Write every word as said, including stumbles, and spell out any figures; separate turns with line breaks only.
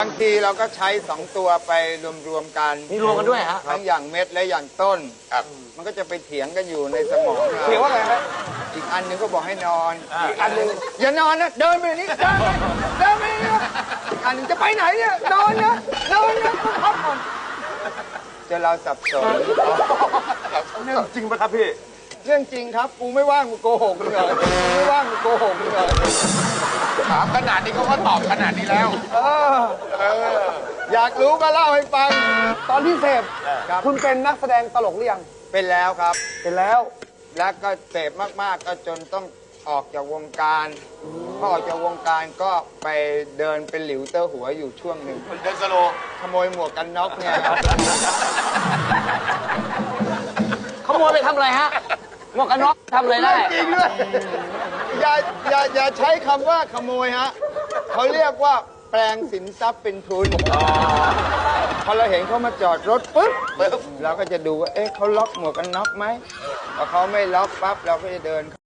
บางทีเราก็ใช้สองตัวไปรวมๆกัน
มีรวมกันด้วยฮะ
ทั้งอย่างเม็ดและอย่างต้นมันก็จะไปเถียงกันอยู่ในสมองเรา
เถียงว่าไงฮะ
อีกอันหนึงก็บอกให้นอน
อีกอันหนึ่ง
อย่านอนนะเดินไปนี่เดินไปเดินไปนี่นะอีกอันหนึงจะไปไหนเนี่ยนอนนะนอนนะต้องพักผ่อนจนเราสับสน
เรื่องจริงปะครับพี่
เรื่องจริงครับกูไม่ว่างกูโกหกมึงเลยกูไม่ว่างกูโกหกมึงเลย
ถามขนาดนี้เขาก็ตอบขนาดนี้แล้ว
เออเอออยากรู้ก็เล่าให้ฟัง
ตอนที่เสพ
ครับ
คุณเป็นนักแสดงตลกหรือยัง
เป็นแล้วครับ
เป็นแล้ว
แล้วก็เสพมากๆก็จนต้องออกจากวงการพอออกจากวงการก็ไปเดินเป็นหลิวเตอร์หัวอยู่ช่วงหนึ่ง
เดินสโล
ขโมยหมวกกันน็อกเนี่ยครับ
ขโมยไปทำอะไรฮะ หมวกกันน็อกทำอะไรได้
จริงด้วยอย่าอย่าอย่าใช้คำว่าขโมยฮะเขาเรียกว่าแปลงสินทรัพย์เป็นทุนพอเราเห็นเขามาจอดรถปุ๊บเราก็จะดูว่าเอ๊ะเขาล็อกหมวกกันน็อกไหมพอเขาไม่ล็อกปั๊บเราก็จะเดิน